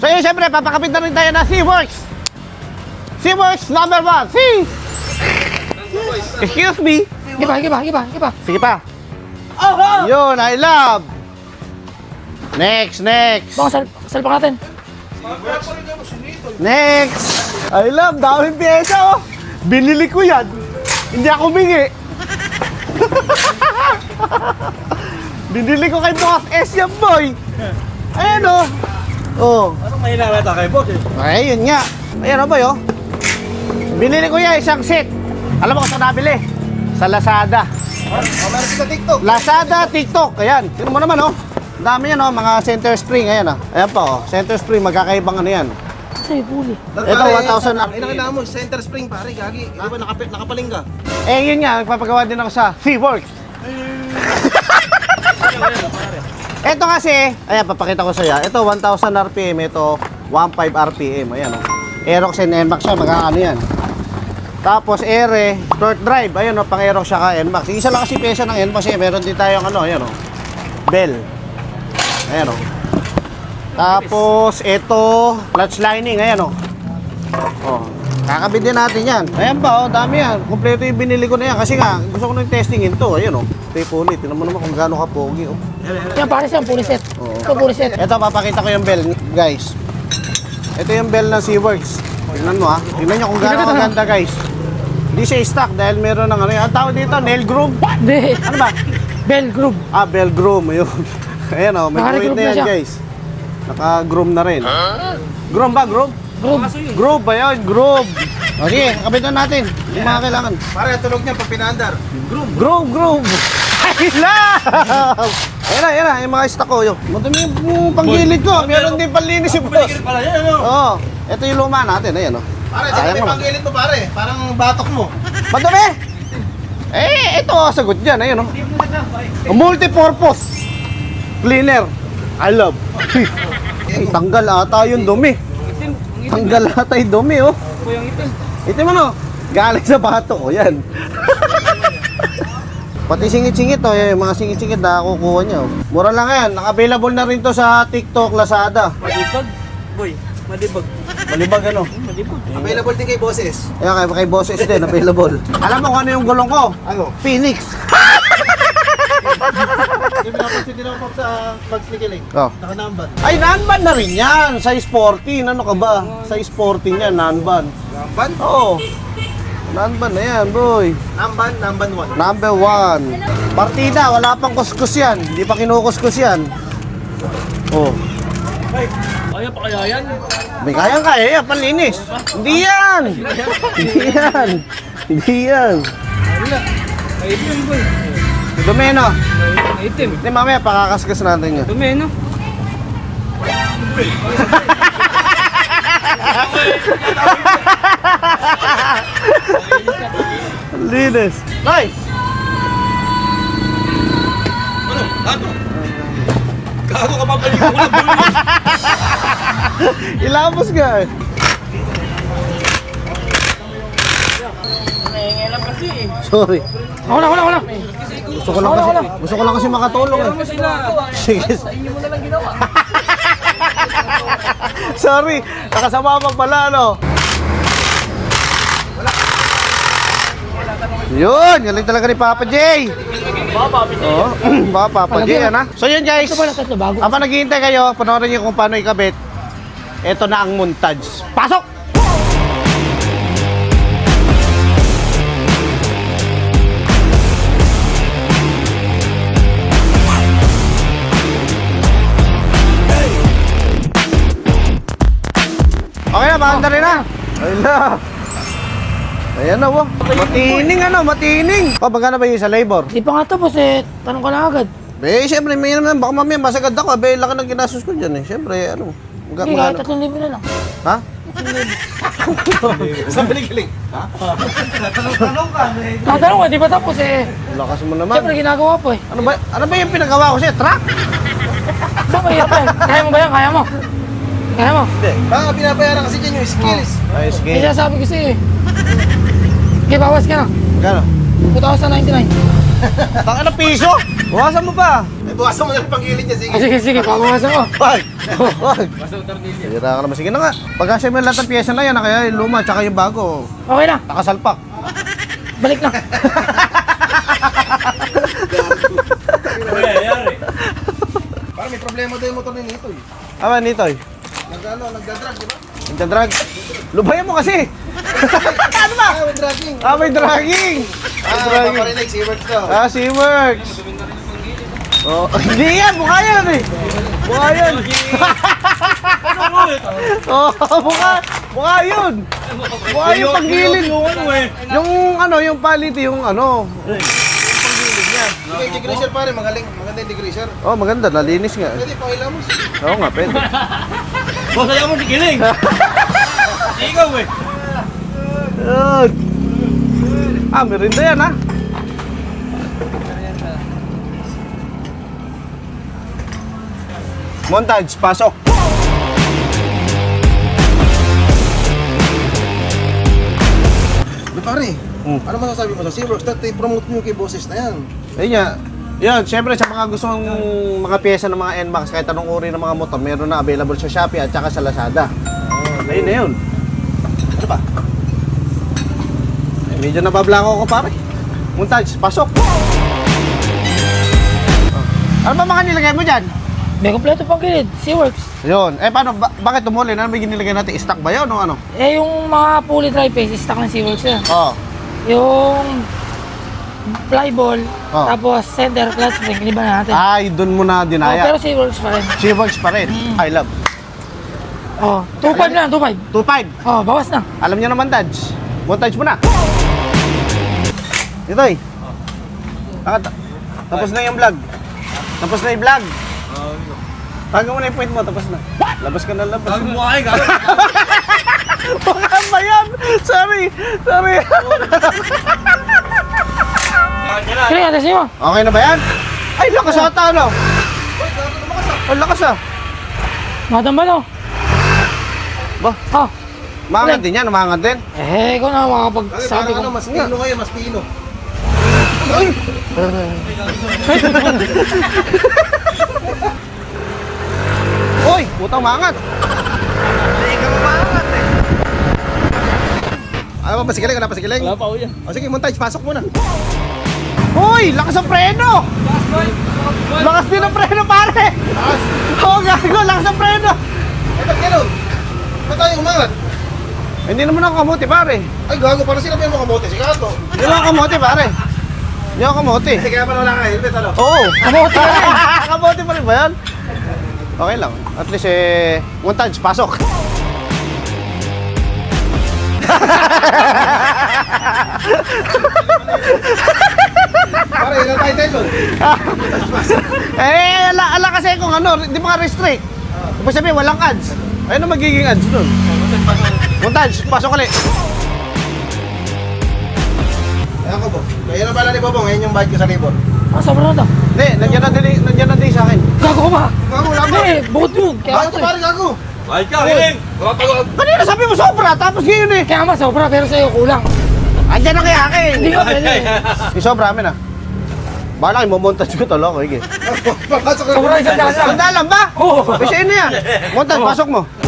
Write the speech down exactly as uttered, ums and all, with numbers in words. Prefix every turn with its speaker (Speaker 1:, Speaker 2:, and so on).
Speaker 1: So yun, syempre, papakapit na rin tayo na SeaWorks. SeaWorks number one. See? Excuse me.
Speaker 2: Sige pa, sige pa, sige pa, sige pa.
Speaker 1: Sige pa. Yun, I love. Next, next.
Speaker 2: Baka sal salpak natin.
Speaker 1: Next. I love, daming pyesa oh. Binili ko yan. Hindi ako bingi. Binili ko kay Boss S yan, boy. Ayan oh. Oh.
Speaker 3: Anong mahina na kay boss eh?
Speaker 1: Ay, yun nga. Ayan o ba yun? Binili ko yan, isang set. Alam mo kung saan nabili? Sa Lazada.
Speaker 3: Oh, meron sa TikTok.
Speaker 1: Lazada, TikTok. Ayan. Sino mo naman oh. Ang dami yan oh, mga center spring. Ayan oh. Ayan pa oh. Center spring, magkakaibang ano yan.
Speaker 2: Kasi huli.
Speaker 1: Ito, one thousand R P M.
Speaker 3: Ay, nakita mo, center spring pare, gagi. Di ba nakap nakapaling ka?
Speaker 1: Eh, yun nga. Nagpapagawa din ako sa SeaWorks. Ito kasi, ayan, papakita ko sa iyo. Ito, one thousand R P M. Ito, fifteen R P M. Ayan oh. Aerox and N MAX siya, magkakaano yan. Tapos ere, short drive, ayun o, pang Aerox siya ka N MAX. Isa lang kasi pesa ng N MAX eh, meron din tayong ano, ayan o, bell. Ayan o. Tapos ito, clutch lining, ayan o. Oh, kakabit din natin yan. Ayan pa o, dami yan. Kompleto yung binili ko na yan kasi nga, gusto ko nang testingin to, ayan o. Tape ulit, tinan mo naman kung gaano ka pogi o.
Speaker 2: Yan, pare siya, puli set.
Speaker 1: Oo.
Speaker 2: Ito, puli set.
Speaker 1: Ito, papakita ko yung bell, guys. Ito yung bell ng SeaWorks. Tingnan mo ha. Tingnan nyo kung gaano kaganda, guys. Hindi siya stock dahil meron ng ano. Ang tawag dito, nail groove.
Speaker 2: Hindi.
Speaker 1: Ano ba?
Speaker 2: Bell groove.
Speaker 1: Ah, bell groom. Ayun. Ayan o, may
Speaker 2: Naka-groove
Speaker 1: point na
Speaker 2: na
Speaker 1: yan,
Speaker 2: siya.
Speaker 1: guys. Naka-groom na rin. Groom ba? Groove?
Speaker 2: Groove.
Speaker 1: Groove ba yun? Groove. O sige, kapitan natin. Yung mga kailangan.
Speaker 3: Pare, tulog niya pag pinaandar. Groom.
Speaker 1: Groove, groove. I love! Ayan na, ayan na. Yung mga stock ko. Yung madami yung panggilid ko. Meron din panlinis yung boss.
Speaker 3: Pala yan, ano?
Speaker 1: Oo. Ito yung luma natin. Ayan o.
Speaker 3: Pare,
Speaker 1: Ayan
Speaker 3: tingnan mo
Speaker 1: mo.
Speaker 3: yung panggilit mo pare. Parang batok mo.
Speaker 1: Madumi! Eh, ito ang sagot dyan. Ayun, oh. Multi-purpose cleaner. I love. Ay, tanggal ata yung dumi. Tanggal ata yung dumi, oh. Itim ano? Galing sa bato, oh. Yan. Pati singit-singit, oh. Yung mga singit-singit na kukuha niya, oh. Mura lang yan. Naka-available na rin to sa TikTok, Lazada.
Speaker 3: Malibag? Boy, malibag.
Speaker 1: Malibag, ano?
Speaker 3: Available din kay bosses.
Speaker 1: Ayan, kay, kay bosses din, available. Alam mo kung ano yung gulong ko?
Speaker 3: Ano?
Speaker 1: Phoenix.
Speaker 3: Yung pinapansin din ako sa pag-slikiling.
Speaker 1: Oh.
Speaker 3: Naka-number.
Speaker 1: Ay, non-ban na rin yan. Size fourteen. Ano ka ba? Size fourteen yan, non-ban.
Speaker 3: Namban?
Speaker 1: Oo. Non-ban na yan, boy.
Speaker 3: Namban, namban one.
Speaker 1: Number one. Partida, wala pang kuskus yan. Hindi pa kinukuskus yan. Oh.
Speaker 3: Kaya pa kaya yan?
Speaker 1: May kayang kaya yan, panlinis. Hindi yan. Hindi yan. Hindi yan.
Speaker 3: Wala. Kaitim boy.
Speaker 1: Dumi, no?
Speaker 3: Kaitim.
Speaker 1: Hindi, mamaya pakakaskas natin yan.
Speaker 3: Dumi, no?
Speaker 1: Linis. Nice.
Speaker 3: Ano? Ano? Gago ka papalig ko lang bulis.
Speaker 1: Ilapos ka eh.
Speaker 3: Nangingilam kasi eh.
Speaker 1: Sorry.
Speaker 2: Ako na, ako na, ako na.
Speaker 1: Gusto ko lang kasi, gusto ko lang kasi makatulong eh.
Speaker 3: Ano sila?
Speaker 1: Sige.
Speaker 3: Sa inyo mo na lang ginawa.
Speaker 1: Sorry, nakasama pa pala, ano? Yun, galing talaga ni Papa J.
Speaker 3: Baba, piti.
Speaker 1: Oo, ba Papa J, yan ha? So yun guys,
Speaker 2: Ito pala, tatlo bago.
Speaker 1: habang naghihintay kayo, panoorin niyo kung paano ikabit. Ito na ang montage. Pasok! Okay na, maanda rin na. Ayun Ayan na, wow. Matining ano, matining. O, magkano ba yung sa labor?
Speaker 2: Di pa nga tapos eh. Tanong ka na agad.
Speaker 1: Eh, siyempre, may naman, baka mamaya masagad ako. Eh, laki ng ginastos ko dyan eh. Siyempre, ano. Magka,
Speaker 2: Hindi, kahit
Speaker 1: magkano?
Speaker 2: tatlong libo na lang.
Speaker 1: Ha?
Speaker 3: Sa piligiling. Ha? Tanong-tanong ka.
Speaker 2: Tatanong ka, di pa tapos eh.
Speaker 1: Lakas mo naman.
Speaker 2: Siyempre, ginagawa po eh.
Speaker 1: Ano ba, ano ba yung pinagawa ko sa'yo? Truck?
Speaker 2: Saan mahirap yan? Kaya mo ba yan? Kaya mo? Kaya mo?
Speaker 1: Hindi.
Speaker 3: Baka binabayaran kasi dyan yung skills.
Speaker 1: Ayos,
Speaker 2: May
Speaker 1: game.
Speaker 2: sinasabi ko sa'yo eh. Okay, bawas ka na.
Speaker 1: Magkano?
Speaker 2: two thousand ninety-nine.
Speaker 1: Taka na piso? Bukasan mo pa.
Speaker 3: Ito Bawasan mo na yung panggilid niya, sige.
Speaker 2: Ah, sige, sige, pabawasan ko.
Speaker 1: Wag! Wag! Hira ka naman. Sige na nga. Pagkasya mo yung lahat ng pyesa na yan, ah, kaya yung luma, tsaka yung bago.
Speaker 2: Okay na,
Speaker 1: Nakasalpak.
Speaker 2: balik na.
Speaker 3: Parang may problema daw yung motor ni Nito eh.
Speaker 1: Ama, Nitoy.
Speaker 3: Nag-ano, nagdadrag, di ba?
Speaker 1: Nagdadrag. Lubayan mo kasi. Ano ba?
Speaker 3: Ah, may dragging.
Speaker 1: Ah, may dragging. May
Speaker 3: Ah,
Speaker 1: dragging.
Speaker 3: paparinig, si Works daw.
Speaker 1: Ah, si Works. Oh, hindi yan. Mukha yan eh. Mukha yan. Oh, mukha. Mukha yun. Mukha yung panggilid.
Speaker 3: Yung ano eh.
Speaker 1: Yung ano, yung paliti, yung ano.
Speaker 3: Yung integration pare, magaling. Maganda integration.
Speaker 1: Oh, maganda. Nalinis nga.
Speaker 3: Pwede, pakila mo.
Speaker 1: Oo nga, pwede.
Speaker 3: Boss, ayaw mo si Kiling. Ikaw eh.
Speaker 1: Yun. Ah, merinda yan ah. Montage, pasok.
Speaker 3: Di pare,
Speaker 1: Hmm.
Speaker 3: ano masasabi mo sa Seaworks? Dati promote mo yung kay bosses na yan.
Speaker 1: Ayun nga. Yun, syempre sa mga gustong mga pyesa ng mga N MAX, kahit anong uri ng mga motor, meron na available sa Shopee at saka sa Lazada. Ayun na yun.
Speaker 3: Ano ba?
Speaker 1: Eh, medyo nabablanko ko pare. Montage, pasok. Ano ba mga nilagay mo dyan?
Speaker 2: May kompleto pang gilid, SeaWorks.
Speaker 1: Yun. Eh paano, ba- bakit tumuli? Ano ba yung nilagay natin? Stock ba yun o ano?
Speaker 2: Eh, yung mga pulley tri-phase, stock ng SeaWorks yan.
Speaker 1: Oo.
Speaker 2: Yung flyball,
Speaker 1: Oh.
Speaker 2: tapos center clutch spring, iniba na natin.
Speaker 1: Ay, dun mo na
Speaker 2: Oh,
Speaker 1: dinaya.
Speaker 2: pero SeaWorks pa rin.
Speaker 1: Chivox pa rin. I love.
Speaker 2: Oh, two five na, two five.
Speaker 1: two five.
Speaker 2: Oh, bawas na.
Speaker 1: Alam niyo naman, Taj. Montage mo na. Ito eh. Taka- Tapos na yung vlog. Tapos na yung vlog. Tago mo na yung point mo, tapos na. Labas ka na, labas.
Speaker 3: Sabi mo ay, gano'n.
Speaker 1: Baka ba yan? Sorry. Sorry.
Speaker 2: Kaya, atas nyo.
Speaker 1: Okay na ba yan? Ay, lakas ata, ano? Ay, lakas ah.
Speaker 2: Matambal oh.
Speaker 1: Ba,
Speaker 2: Oh,
Speaker 1: maangat din yan, maangat din.
Speaker 2: eh, ikaw na
Speaker 3: Sabi
Speaker 2: makapagsabi
Speaker 3: ano,
Speaker 2: ko.
Speaker 3: mas pino ngayon, mas pino.
Speaker 1: Uy, putang maangat.
Speaker 3: Hindi ka mamangat eh. Ano ba, pasikiling? Wala pasikiling? Wala pa ho yan. O sige, montage, pasok muna.
Speaker 1: Uy, lakas ang preno. Lakas din ang preno, pare. Oo, gago, lakas ang preno.
Speaker 3: Eh, ba't gano'n? Ba't tayo umangat?
Speaker 1: Hindi naman ako kamote, pare.
Speaker 3: Ay, gago, parang sinabi mo kamote, si Kato.
Speaker 1: Hindi ako kamote, pare. Hindi ako kamote.
Speaker 3: Eh, kaya pala wala ka helmet, ano?
Speaker 1: Oo. Kamote pa rin. Kamote pa rin ba yan? Okay lang. At least eh, montage, pasok.
Speaker 3: Pare, ilan tayo tayo doon?
Speaker 1: eh, ala, ala kasi kung ano, di ba ka restrict? Ibig sabihin, walang ads. Ayun ang magiging ads nun. Montage, pasok ulit.
Speaker 3: Ayan ko po. Kaya na pala ni Bobo, ngayon yung bike ko sa labor.
Speaker 2: Ah, sobrang na to.
Speaker 1: Hindi, nandiyan na din, nandiyan na din sa akin.
Speaker 2: Gago ko ba?
Speaker 3: Gago, wala ba?
Speaker 2: Hindi, bukod yun. Kaya
Speaker 3: Gago
Speaker 2: nga
Speaker 3: to,
Speaker 2: to eh.
Speaker 3: pare, gago.
Speaker 4: Ay ka, Hiling! Wala tayo.
Speaker 1: Kanina sabi mo sobra, tapos ngayon eh.
Speaker 2: Kaya nga sobra, pero sa'yo kulang.
Speaker 1: Andyan na kay akin.
Speaker 2: Hindi ka pwede.
Speaker 1: Yung sobra amin ah. Bala kayo, mamontage ko talo ko, hige.
Speaker 3: Papasok na.
Speaker 2: Sobra isang daan lang.
Speaker 1: Sandaan lang ba?
Speaker 2: Oo.
Speaker 1: Kasi yun na yan. Montage, pasok mo.